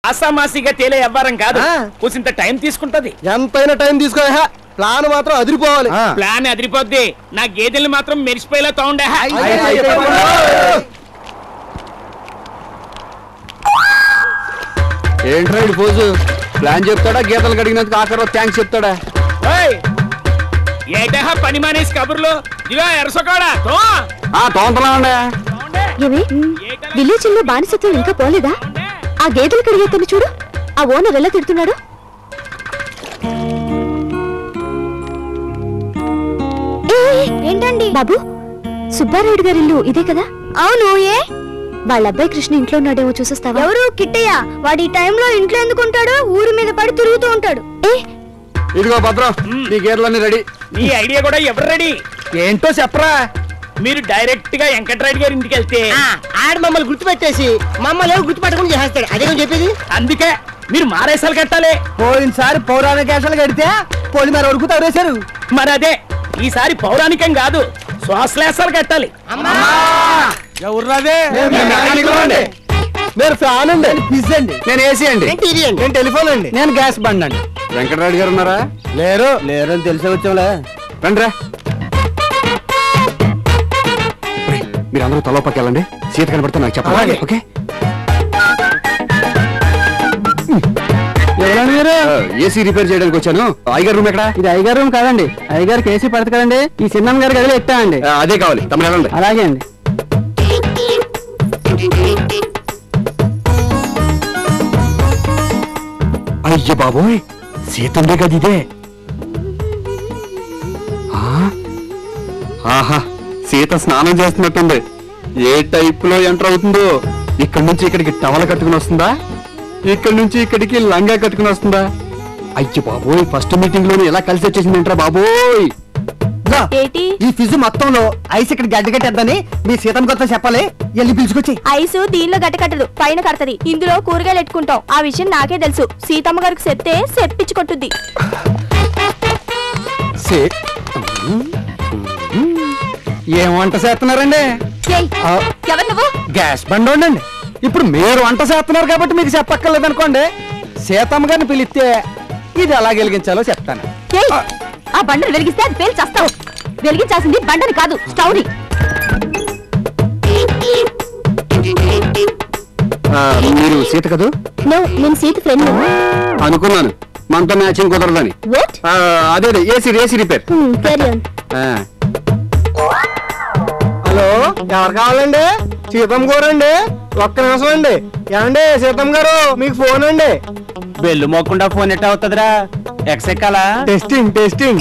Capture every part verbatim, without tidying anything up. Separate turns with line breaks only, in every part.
అసామాసిగా తేలే వ్యవహారం కాదు. కూసింత టైం తీసుకుంటది.
ఎంతైనా టైం తీసుకో. ప్లాన్ మాత్రం అదిరిపోవాలి.
ప్లాన్ అదిరిపోద్ది. నా గేదెల్ని మాత్రం మెరిసిపోయేలా తోండే.
ఏంట్రా ఇది పోజు? ప్లాన్ చెప్తాడా, గీతలు కడిగినందుకు ఆఖరిలో థ్యాంక్స్ చెప్తాడా?
ఏటా పని మానేసి కబుర్లు ఇవా ఎరసోకాడా
విలేజ్ లో బానిసత్వం ఇంకా పోలేదా? ఆ గేదెలు కడిగేతను చూడు, ఆ ఓనర్ ఎలా తిడుతున్నాడు. ఏంటండి బాబు, సుబ్బారాయుడు గారి ఇల్లు ఇదే కదా? అవును. ఏ వాళ్ళ అబ్బాయి కృష్ణ ఇంట్లో ఉన్నాడేమో చూసేస్తావా? ఎవరు? కిట్టయ్య. వాడి టైంలో ఇంట్లో ఎందుకుంటాడు? ఊరి మీద పడి తిరుగుతూ ఉంటాడు. ఏ
ఇదిగో భద్రం, నీ గేదెలన్నీ రెడీ.
నీ ఐడియా కూడా ఎవరు రెడీ?
ఏంటో చెప్పరా.
మీరు డైరెక్ట్ గా వెంకటరాయుడు గారి ఇంటికి వెళ్తే
ఆడ మమ్మల్ని గుర్తుపెట్టేసి మమ్మల్ని ఎవరు గుర్తుపెట్టకుండా చేస్తాడు. అదే చెప్పేది.
అందుకే మీరు మారేసాలు కట్టాలి.
పోయినసారి పౌరాణిక వేషాలు కడితే పోలి మరి వరకు తవరేశారు.
మరి అదే ఈసారి పౌరాణికం కాదు, శ్వాసలేసాలు కట్టాలి.
మీరు ఫ్యాన్ అండి, ఫ్రిడ్జ్ అండి,
నేను ఏసీ అండి,
నేను టెలిఫోన్ అండి,
నేను గ్యాస్ బండ్ అండి. వెంకటరాయుడు గారు ఉన్నారా?
లేరు. లేరు అని తెలిసే వచ్చాంలే.
రండిరా. మీరు అందరూ తలో పక్క వెళ్ళండి. సీత కనబడితే నాకు చెప్పాలి. ఓకే? ఏసీ రిపేర్ చేయడానికి వచ్చాను. ఐగారు రూమ్ ఎక్కడ?
ఇది ఐగారు రూమ్ కాదండి, ఐగారికి ఏసీ పడదు కదండి. ఈ చిన్న గారి గదిలో ఎట్టా అండి.
అదే కావాలి. తమ వెళ్ళండి.
అలాగే అండి.
అయ్య బాబోయ్, సీతండే గది ఇదే. ఆహా, సీత స్నానం చేస్తున్నట్టుంది. ఏ టైప్ లో ఎంటర్ అవుతుందో. ఇక్కడి నుంచి ఇక్కడికి టవల కట్టుకుని వస్తుందా, ఇక్కడి నుంచి ఇక్కడికి లంగా కట్టుకుని వస్తుందా? అయ్య బాబోయ్, ఫస్ట్ మీటింగ్ లోనే ఎలా కలిసి వచ్చేసింది ఏంట్రా బాబోయ్.
ఈ ఫిజు మొత్తంలో ఐస్ ఇక్కడ గడ్డ కట్టేద్దని మీ సీతమ్మ కొత్త చెప్పాలి. వెళ్ళి పిలుచుకొచ్చి.
ఐసు దీనిలో గడ్డ కట్టదు, పైన కడతది. ఇందులో కూరగాయలు ఎట్టుకుంటాం. ఆ విషయం నాకే తెలుసు. సీతమ్మ గారికి చెప్తే చెప్పించుకుంటుంది.
ఏం వంట చేస్తున్నారండి?
ఎవరు నువ్వు?
గ్యాస్ బండి ఉండండి. ఇప్పుడు మీరు వంట చేస్తున్నారు కాబట్టి మీకు చెప్పక్కర్లేదు అనుకోండి. సీతమ్మ గారిని పిలిస్తే ఇది ఎలా వెలిగించాలో చెప్తాను.
ఆ బండను వెలిగిస్తే అది పేలు చేస్తావు. వెలిగించాల్సింది బండని కాదు, స్టవ్ ని.
మీరు సీత కదూ?
నేను సీత ఫ్రెండ్
అనుకున్నాను. మనతో మ్యాచింగ్ కుదరదని. అదే ఏసీ ఏసీ రిపేర్.
హలో, ఎవరు కావాలండి? సీతమ్మ గారు అండి. ఒక్క నిమిషం అండి. ఏమండి సీతమ్మ గారు, మీకు ఫోన్ అండి.
బెల్లు మోకుండా ఫోన్ ఎట్ట అవుతుందిరా? ఎక్స్ ఎక్కాలా?
Testing testing.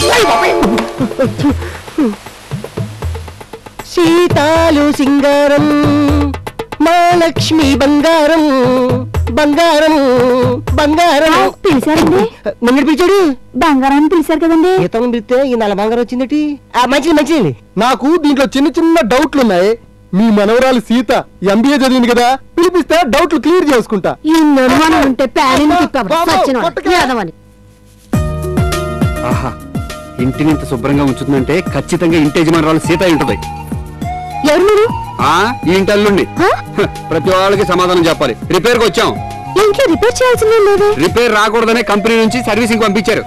సీతాలు సింగారం, మా లక్ష్మి బంగారం, బంగారం బంగారం.
పిలిచారండి?
మమ్మీ పిలిచాడు.
బంగారాన్ని పిలిచారు కదండి.
సీతమ్మ పిలిస్తే ఈ నల్ల బంగారం వచ్చిందటి. మంచిది మంచిది. నాకు దీంట్లో చిన్న చిన్న డౌట్లు ఉన్నాయి. మీ మనవరాలు సీత ఎంబీఏ చదివింది కదా, పిలిపిస్తే డౌట్లు క్లియర్ చేసుకుంటా.
ఆహా, ఇంటిని ఇంత శుభ్రంగా ఉంచుతుందంటే ఖచ్చితంగా ఇంటి యజమానురాలు సీత ఉంటుంది.
ఎవరు మీరు?
ఆ ఈ ఇంటి అల్లుండి. ప్రతి వాళ్ళకి సమాధానం చెప్పాలి. రిపేర్ కి వచ్చాం.
ఇంట్లో రిపేర్ చేయాల్సిందే లేదు.
రిపేర్ రాకూడదనే కంపెనీ నుంచి సర్వీసింగ్ పంపించారు.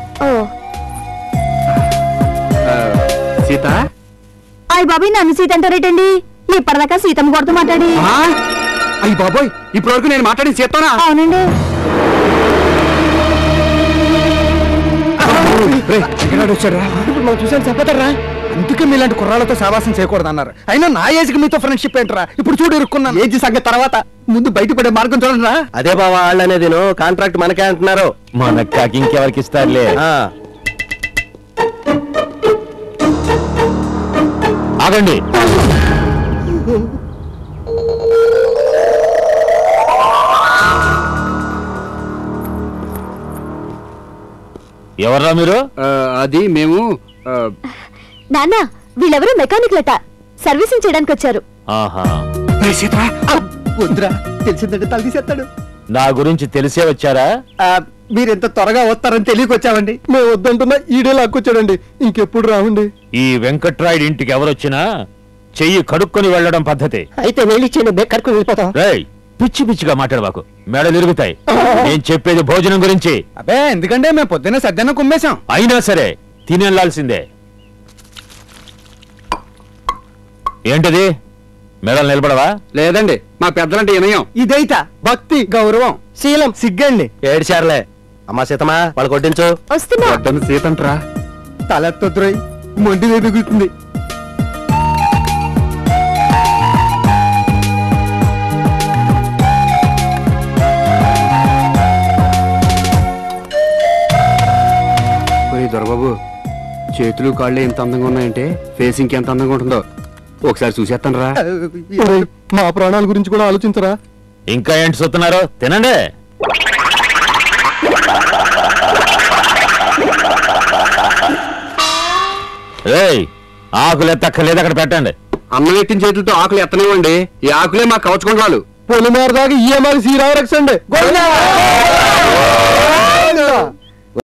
సీత.
అయ్య బాబాయ్, నన్ను సీత అంటారేటండి? ఇప్పటిదాకా సీతమ్మ కొడుతూ మాట్లాడి.
అయ్యి బాబోయ్, ఇప్పటి వరకు నేను మాట్లాడి సీతనా?
అవునండి.
చూసాను చెప్పతారా? అందుకే మీలాంటి కుర్రాలతో సావాసం చేయకూడదు అన్నారు. అయినా నా ఏజ్కి మీతో ఫ్రెండ్షిప్ ఏంటరా? ఇప్పుడు చూడు ఇరుక్కున్నా. ఏజ్ సంగతి తర్వాత, ముందు బయటపడే మార్గం చూడరా.
అదే బావా, వాళ్ళు అనేది కాంట్రాక్ట్ మనకే అంటున్నారు. మనకు కాకి ఇంకెవరికి ఇస్తారులే. ఆగండి. ఎవర్రా మీరు?
అది మేము.
నాన్న, వీళ్ళెవరూ మెకానిక్లట. సర్వీసింగ్ చేయడానికి వచ్చారు.
వద్దురా, తెలిసిందంటే తల తీసేస్తాడు.
నా గురించి తెలిసే వచ్చారా?
మీరెంత త్వరగా వస్తారని తెలియకొచ్చామండి. మేము వద్దంటున్నా ఈడే లాక్కొచ్చాడండి. ఇంకెప్పుడు రావండి.
ఈ వెంకట్రాయుడు ఇంటికి ఎవరొచ్చినా చెయ్యి కడుక్కొని వెళ్ళడం పద్ధతి.
అయితే వెళ్ళిచ్చేయండి, కడుక్కొని వెళ్ళిపోతాం.
రేయ్, పిచ్చి పిచ్చిగా మాట్లాడవాకు, మెడలు ఇరుగుతాయి. నేను చెప్పేది భోజనం గురించి.
అబ్బే ఎందుకంటే మేము పొద్దున్న సద్దన్న కుమ్మేశాం.
అయినా సరే తినేళ్లాల్సిందే. ఏంటది? మెడలు నిలబడవా?
లేదండి, మా పెద్దలంటే వినయం. ఇదైతా భక్తి గౌరవం శీలం సిగ్గండి.
ఏడ్చారులే. అమ్మా సీతమ్మా వాళ్ళు కొట్టించు.
వస్తున్నా.
పెద్దను సీతంట్రా తలెత్తొద్దురై మొండి ఎదుగుతుంది. దొరబాబు, చేతులు కాళ్ళు ఎంత అందంగా ఉన్నాయంటే ఫేస్ ఇంకెంత అందంగా ఉంటుందో ఒకసారి చూసేస్తాను రా.
మా ప్రాణాల గురించి కూడా ఆలోచించరా?
ఇంకా ఏంటి చూస్తున్నారు? తినండి. ఏయ్, ఆకులు ఎత్తక్కర్లేదు, అక్కడ పెట్టండి.
అన్నం ఎట్టిన చేతులతో ఆకులు ఎత్తనివ్వండి. ఈ ఆకులే మా కవచుకుంటాలు.
పొలిమేర దాకా ఈ అమ్మాయి శ్రీరామరక్షండి.